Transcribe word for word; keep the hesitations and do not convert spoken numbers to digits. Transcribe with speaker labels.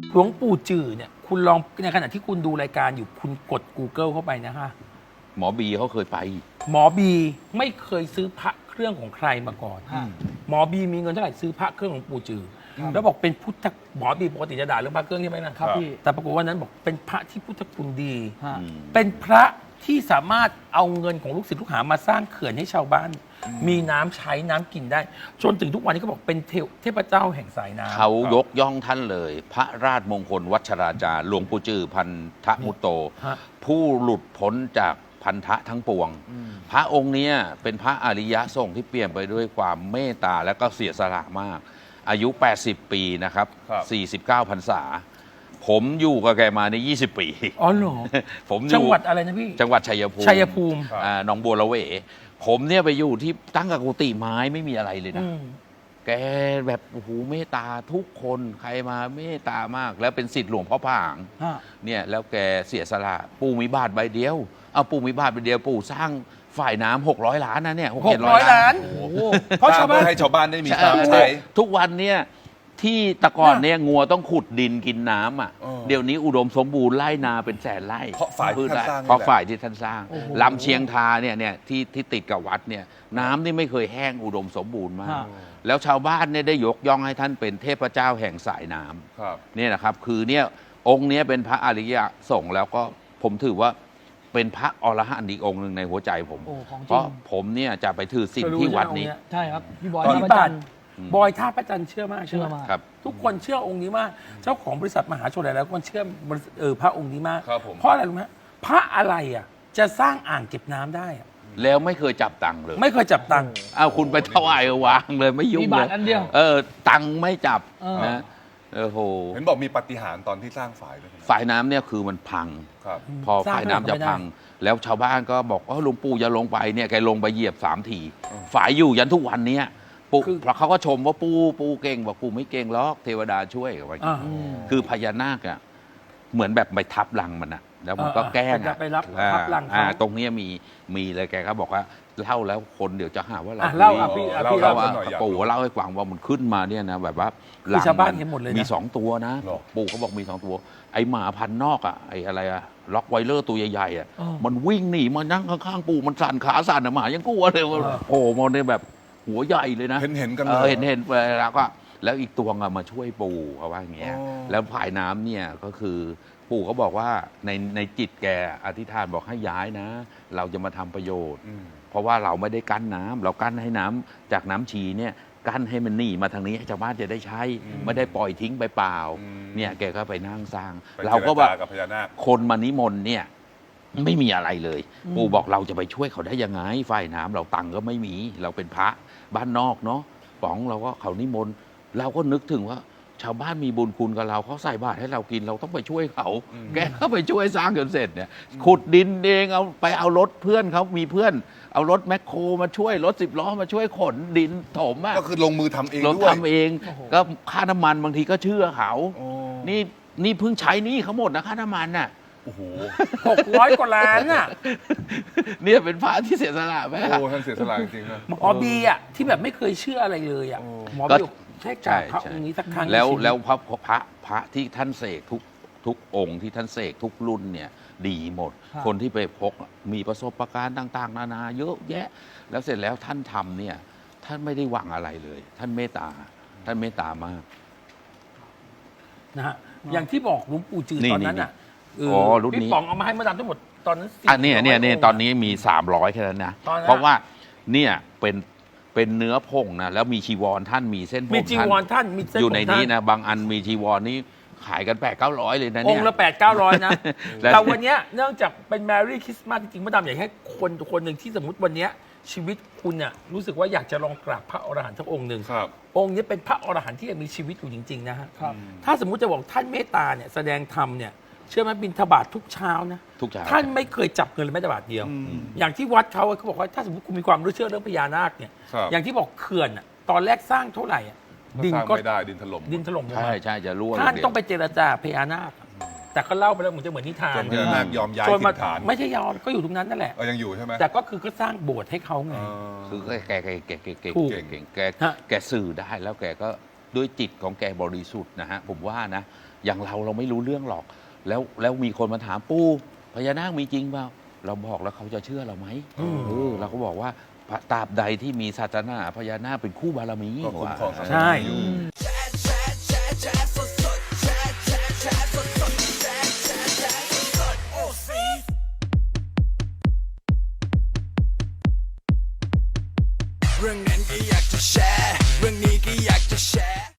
Speaker 1: หลวงปู่จือเนี่ยคุณลองในขณะที่คุณดูรายการอยู่คุณกด Google เข้าไปนะฮะ
Speaker 2: หมอบีเขาเคยไป
Speaker 1: หมอบีไม่เคยซื้อพระเครื่องของใครมาก่อนหมอบีมีเงินเท่าไหร่ซื้อพระเครื่องของปู่จือแล้วบอกเป็นพุทธหมอบีปกติจะด่าเรื่องพระเครื่องใช่ไหมนะครับพี่แต่ปรากฏว่านั้นบอกเป็นพระที่พุทธคุณดีเป็นพระที่สามารถเอาเงินของลูกศิษย์ลูกหามาสร้างเขื่อนให้ชาวบ้านมีน้ำใช้น้ำกินได้จนถึงทุกวันนี้เขาบอกเป็นเทวเทพเจ้าแห่งสายน้ำ
Speaker 2: เขายกย่องท่านเลย พระราชมงคลวัชราจารย์หลวงปู่จือพันธมุตโต ผู้หลุดพ้นจากพันธะทั้งปวง พระองค์นี้เป็นพระอริยะทรงที่เปลี่ยนไปด้วยความเมตตาและก็เสียสละมาก อายุแปดสิบปีนะครับสี่สิบเก้าพรรษาผมอยู่กับแกมาในยี่สิบปี
Speaker 1: อ๋อเหรอ
Speaker 2: ผม
Speaker 1: จังหวัดอะไรนะพี่
Speaker 2: จังหวัดชัยภูมิ
Speaker 1: ชัยภูมิ
Speaker 2: อ่าหนองบัวละเวผมเนี่ยไปอยู่ที่ตั้งกับกุฏิไม้ไม่มีอะไรเลยนะแกแบบโอ้โหเมตตาทุกคนใครมาเมตตามาก แล้วเป็นศิษย์หลวงพ่อผางเนี่ยแล้วแกเสียสละปู่มีบาทใบเดียวเอาปู่มีบาทใบเดียวปู่สร้างฝ่ายน้ำหกร้อยล้านนะเนี่ย
Speaker 1: หกร้อยล้าน
Speaker 3: เพราะชาวบ้านให้ชาวบ้านได้มีน้ำใช้
Speaker 2: ทุกวันเนี่ยที่ตะกอนเนี่ยงัวต้องขุดดินกินน้ำอ่ะเดี๋ยวนี้อุดมสมบูรณ์ไร่นาเป็นแสนไร่
Speaker 3: เพราะฝ่ายที่ท่านสร้าง
Speaker 2: เพราะฝ่ายที่ท่านสร้างลำเชียงทาเนี่ยเนี่ยที่ที่ติดกับวัดเนี่ยน้ำนี่ไม่เคยแห้งอุดมสมบูรณ์มากแล้วชาวบ้านเนี่ยได้ยกย่องให้ท่านเป็นเทพเจ้าแห่งสายน้ำเนี่ยนะครับคือเนี่ยองค์นี้เป็นพระอริยสงฆ์แล้วก็ผมถือว่าเป็นพระอรหันต์อีกองค์หนึ่งในหัวใจผมเพราะผมเนี่ยจะไปถือศีลที่วัดนี้
Speaker 1: ใช่ครับพี่บอยท่าพระจันทร์บอยท่าพระจันทร์เชื่อมากเชื่อมากทุกคนเชื่อองค์นี้มากเจ้าของบริษัทมหาชนหลายๆคนเชื่อเออพระองค์นี้มากเพราะอะไรรู้ไหมพระอะไรอ่ะจะสร้างอ่างเก็บน้ำได้อ่ะ
Speaker 2: แล้วไม่เคยจับตังค์เลย
Speaker 1: ไม่เคยจับตังค์
Speaker 2: เอาคุณไปถวายวางเลยไม่ยุ่งเลยเออตังค์ไม่จับนะเออโห
Speaker 3: เห็นบอกมีปาฏิหาริย์ตอนที่สร้างฝายด้วย
Speaker 2: ฝายน้ำเนี่ยคือมันพังพอฝายน้ำจะพังแล้วชาวบ้านก็บอกว่าหลวงปู่อย่าลงไปเนี่ยแกลงไปเหยียบสามทีฝายอยู่ยันทุกวันนี้ปู่เพราะเขาก็ชมว่าปู่ปู่เก่งบอกปู่ไม่เก่งหรอกเทวดาช่วยไว้คือพญานาคอ่ะเหมือนแบบไปทับรังมันอ่ะแล้วมันก็แกล้งอ่ะ
Speaker 1: ไปรับทับรังเขา
Speaker 2: ตรงนี้มีมีเลยแกก็บอกว่าเล่าแล้วคนเดี๋ยวจะหาว่าเรา
Speaker 1: เล่าอ่ะพี่
Speaker 2: เล่าว่าปู่เล่าให้ฟังว่ามันขึ้นมาเนี่ยนะแบบว่า
Speaker 1: หลังมัน
Speaker 2: มีสองตัวนะปู่เขาบอกมีสองตัวไอหมาพันนอกอ่ะไออะไรอะล็อกไวเลอร์ตัวใหญ่ๆอ่ะมันวิ่งหนีมานั่งข้างๆปู่มันสั่นขาสั่นหมายังกลัวเลยโอ้มันเนี่ยแบบหัวใหญ่เลยนะ
Speaker 3: เห็นเห็นกันเลย
Speaker 2: เห็นเห็นแล้วก็แล้วอีกตัวอะมาช่วยปู่เขาว่าอย่างเงี้ยแล้วผายน้ำเนี่ยก็คือปู่เขาบอกว่าในในจิตแกอธิษฐานบอกให้ย้ายนะเราจะมาทำประโยชน์เพราะว่าเราไม่ได้กั้นน้ำเรากั้นให้น้ำจากน้ำชีเนี่ยกั้นให้มันหนีมาทางนี้ให้ชาวบ้านจะได้ใช้ไม่ได้ปล่อยทิ้งไปเปล่าเนี่ยแกก็ไปนั่งสร้างเราก็ว่าคนมานิมนต์เนี่ยไม่มีอะไรเลยปู่บอกเราจะไปช่วยเขาได้ยังไงฝ่ายน้ำเราตังก็ไม่มีเราเป็นพระบ้านนอกเนาะป๋องเราก็เขานิมนต์เราก็นึกถึงว่าชาวบ้านมีบุญคุณกับเราเขาใส่บาตรให้เรากินเราต้องไปช่วยเขาแกก็ไปช่วยสร้างจนเสร็จเนี่ยขุดดินเองเอาไปเอารถเพื่อนเขามีเพื่อนเอารถแมคโครมาช่วยรถสิบล้อมาช่วยขนดินถมอ่ะ
Speaker 3: ก็คือลงมือทำเอง
Speaker 2: ด้วยทำเองก็ค่าน้ำมันบางทีก็เชื่อเขานี่นี่เพิ่งใช้นี่เขาหมดนะค่าน้ำมันน่ะ
Speaker 3: โอ้โห
Speaker 1: หกร้อยกว่าล้านอ่ะ
Speaker 2: เนี่ยเป็นพระที่เสียสละไหม
Speaker 3: โอ้ท่านเสียสละจริงๆนะ
Speaker 1: หมอบีอ่ะที่แบบไม่เคยเชื่ออะไรเลยอ่ะหมอบีใช่จ่าพระองค์นี้สักครั้ง
Speaker 2: แล้วแล้วพระพระพระที่ท่านเสกทุกทุกองค์ที่ท่านเสกทุกรุ่นเนี่ยดีหมดคนที่ไปพกมีประสบการณ์ต่างๆนานาเยอะแยะแล้วเสร็จแล้วท่านทำเนี่ยท่านไม่ได้หวังอะไรเลย ท่านเมตตาท่านเมตตามาก
Speaker 1: นะฮะอย่างที่บอกหลวงปู่จือตอนนั้นอ่ะ
Speaker 2: อ๋อรุ่นนี้
Speaker 1: พี่ป๋องเอามาให้มาดามทั้งหมดตอนนั้น
Speaker 2: อันนี้เนี่ยเนี่ยตอนนี้มีสามร้อยแค่นั้นนะเพราะว่าเนี่ยเป็นเป็นเนื้อผงนะแล้วมีชีวรท่านมีเส้นผง
Speaker 1: มีชีวรท่านมีเส้น
Speaker 2: อยู่ในนี้นะบางอันมีชีวรนี้ขายกันแปดเก้าร้อยเลยนะ
Speaker 1: เนี่ยองค์ละแปดเก้าร้อยนะแต่วันนี้เนื่องจากเป็นแมรี่คริสต์มาสจริงๆมาดามอยากให้คนคนหนึ่งที่สมมติวันนี้ชีวิตคุณเนี่ยรู้สึกว่าอยากจะลองกราบพระอรหันต์สักองค์หนึ่งองค์นี้เป็นพระอรหันต์ที่ยังมีชีวิตอยู่จริงๆนะฮะถ้าสมมุติจะบอกท่านเมตตาเนี่ยแสดงธรรมเนี่ยเชื่อไหมบิณฑบาตทุกเช้านะ
Speaker 2: ทุกเช้า
Speaker 1: ท่านไม่เคยจับเงินเลยแม้แต่บาทเดียวอย่างที่วัดเขาเขาบอกว่าถ้าสมมติคุณมีความรู้เชื่อเรื่องพญานาคเนี่ยอย่างที่บอกเขื่อนตอนแรกสร้างเท่าไหร่
Speaker 3: ดินก็ไม่ได้ดินถล่ม
Speaker 1: ดินถล่ม
Speaker 2: ใช่ใช่จะรั่ว
Speaker 1: ท่านต้องไปเจรจาพญานาคแต่ก็เล่าไปแล้วเหมือนจะเหมือนนิทาน
Speaker 3: พญานาคยอมย้ายถิ่นฐาน
Speaker 1: ไม่ใช่ยอมก็อยู่ตรงนั้นนั่นแหละ
Speaker 3: ยังอยู่ใช่ไหม
Speaker 1: แต่ก็คือก็สร้างโบสถ์ให้เขาไง
Speaker 2: คือแกแกแกแกแกเก่งแกแกสื่อได้แล้วแกก็ด้วยจิตของแกบริสุทธิ์นะฮะผมว่านะอย่างเราเราไม่รู้เรื่องหรอก แล้วแล้วมีคนมาถามปู่พญานาคมีจริงเปล่าเราบอกแล้วเขาจะเชื่อเราไหมเออเราก็บอกว่าตราบใดที่มีศาสนาพญานาคเป็นคู่บารมี
Speaker 3: ก็คุ้มครองศาสนา
Speaker 1: ใช่
Speaker 3: อยู่
Speaker 4: เรื่องนั้นก็อยากจะแชร์